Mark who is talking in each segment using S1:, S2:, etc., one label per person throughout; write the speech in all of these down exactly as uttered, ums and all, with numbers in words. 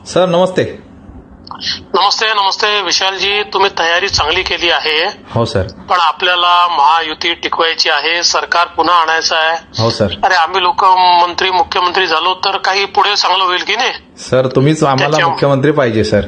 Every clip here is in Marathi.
S1: सर नमस्ते.
S2: नमस्ते नमस्ते विशालजी, तुम्ही तयारी चांगली केली आहे.
S1: हो सर.
S2: पण आपल्याला महायुती टिकवायची आहे, सरकार पुन्हा आणायचं आहे.
S1: हो सर.
S2: अरे आम्ही लोक मंत्री मुख्यमंत्री झालो तर काही पुढे चांगलं होईल की नाही.
S1: सर तुम्हीच आम्हाला मुख्यमंत्री पाहिजे सर.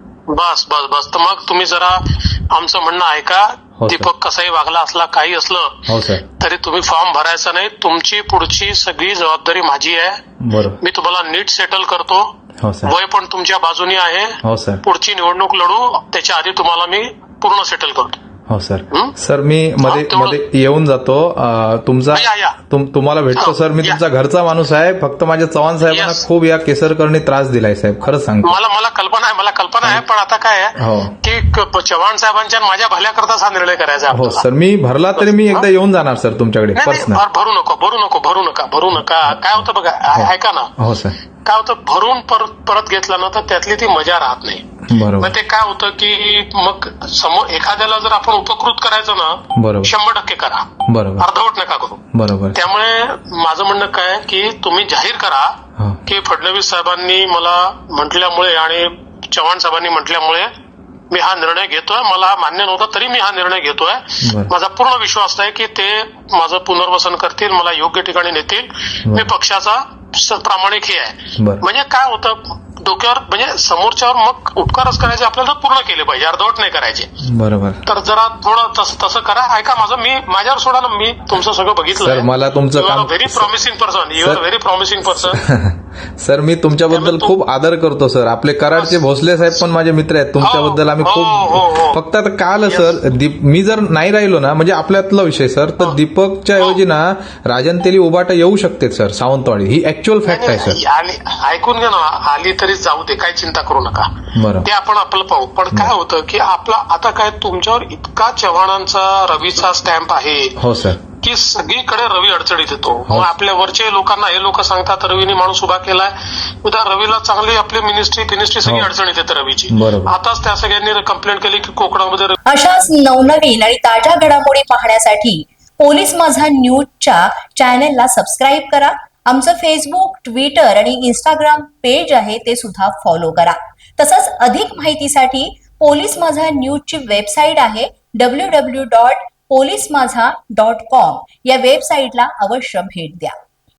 S2: बस बस बस तर मग तुम्ही जरा आमचं म्हणणं ऐका.
S1: हो सर.
S2: दीपक कसाही वागला असला काही असलं
S1: हो सर.
S2: तरी तुम्ही फॉर्म भरायचा नाही. तुमची पुढची सगळी जबाबदारी माझी आहे.
S1: बरोबर.
S2: मी तुम्हाला नीट सेटल करतो.
S1: हो सर.
S2: वय पण तुमच्या बाजूनी आहे.
S1: हो सर.
S2: पुढची निवडणूक लढू त्याच्या आधी तुम्हाला मी पूर्ण सेटल करतो.
S1: हो सर.
S2: हं?
S1: सर मी मध्ये
S2: हा, तेवढं-
S1: मध्ये येऊन जातो. अं, तुमचा
S2: या, या.
S1: तुम- तुम्हाला भेटतो
S2: हा,
S1: सर. मी
S2: या.
S1: तुमचा घरचा माणूस आहे. फक्त माझ्या चव्हाण साहेबांना
S2: Yes.
S1: खूप या केसरकरनी त्रास दिलाय साहेब, खरंच सांगतो.
S2: मला मला कल्पना आहे मला कल्पना आहे पण आता काय आहे
S1: हो.
S2: की क- चव्हाण साहेबांच्या आणि माझ्या भल्याकरताच हा निर्णय करायचा आहे
S1: हो
S2: आपल्याला.
S1: सर. मी भरला तरी मी एकदा येऊन जाणार सर तुमच्याकडे
S2: नाही नाही,
S1: पर्सनल.
S2: भर- भरू नको भरू नको भरू नका भरू नका. काय होतं बघा, ऐ- ऐका ना,
S1: हो सर.
S2: काय होतं भरून परत परत घेतलं ना तर त्यातली ती मजा राहत नाही.
S1: बरोबर.
S2: मग ते काय होतं की मग समोर एखाद्याला जर आपण उपकृत करायचं ना
S1: बरोबर.
S2: शंभर टक्के करा,
S1: बरोबर.
S2: अर्धवट नका करू.
S1: बरोबर.
S2: त्यामुळे माझं म्हणणं काय आहे की तुम्ही जाहीर करा
S1: हो.
S2: की फडणवीस साहेबांनी मला म्हटल्यामुळे आणि चव्हाण साहेबांनी म्हटल्यामुळे मी हा निर्णय घेतोय. मला मान्य नव्हता तरी मी हा निर्णय घेतोय.
S1: बरं.
S2: माझा पूर्ण विश्वास आहे की ते माझं पुनर्वसन करतील, मला योग्य ठिकाणी नेतील. मी पक्षाचा स- प्रामाणिक हे आहे.
S1: बरं.
S2: म्हणजे काय होतं डोक्यावर म्हणजे समोरच्यावर मग उपकारच करायचे आपल्याला तर पूर्ण केले पाहिजे, अर्धवट नाही करायचे.
S1: बरोबर.
S2: तर जरा थोडं तसं तसं करा. ऐका माझं, मी माझ्यावर सोडा ना, मी तुमचं सगळं
S1: सर
S2: बघितलं.
S1: मला तुमचं
S2: यू आर अ
S1: काम
S2: very promising person. You are very promising person.
S1: Sir मी तुमच्याबद्दल खूप आदर करतो सर. आपले कराडचे भोसले साहेब पण माझे मित्र आहेत. तुमच्याबद्दल आम्ही
S2: हो, हो, हो.
S1: खूप फक्त आता काल सर दीप मी जर नाही राहिलो ना म्हणजे आपल्यातला विषय सर तर दीपकच्या ऐवजी ना राजन तेली उबाटा येऊ शकते सर सावंतवाडी. ही ऍक्च्युअल फॅक्ट आहे सर.
S2: आली ऐकून घ्या ना, आली तरी जाऊ दे, काही चिंता करू नका.
S1: बरं.
S2: ते आपण आपलं पाहू. पण काय होतं की आपला आता काय तुमच्यावर इतका चव्हाणांचा रवीचा स्टॅम्प आहे
S1: हो सर.
S2: की सगळीकडे रवी अडचणीत येतो.
S1: हो.
S2: मग आपल्या वरचे लोकांना हे लोक सांगतात रवीने माणूस उभा केलाय, उद्या रवीला चांगली आपली मिनिस्ट्री फिनिस्ट्री सगळी
S1: हो.
S2: अडचणीत येते रवीची.
S1: बरोबर.
S2: आताच त्या सगळ्यांनी कंप्लेंट केली की कोकणामध्ये रवी-
S3: अशाच नवनवीन आणि ताज्या घडामोडी पाहण्यासाठी पोलीस माझा न्यूजच्या चॅनेलला सबस्क्राईब करा. आमचं फेसबुक, ट्विटर आणि इंस्टाग्राम पेज आहे ते सुद्धा फॉलो करा. तसंच अधिक माहितीसाठी पोलीस माझा न्यूजची वेबसाईट आहे W W W dot police Majha dot com या वेबसाईटला अवश्य भेट द्या.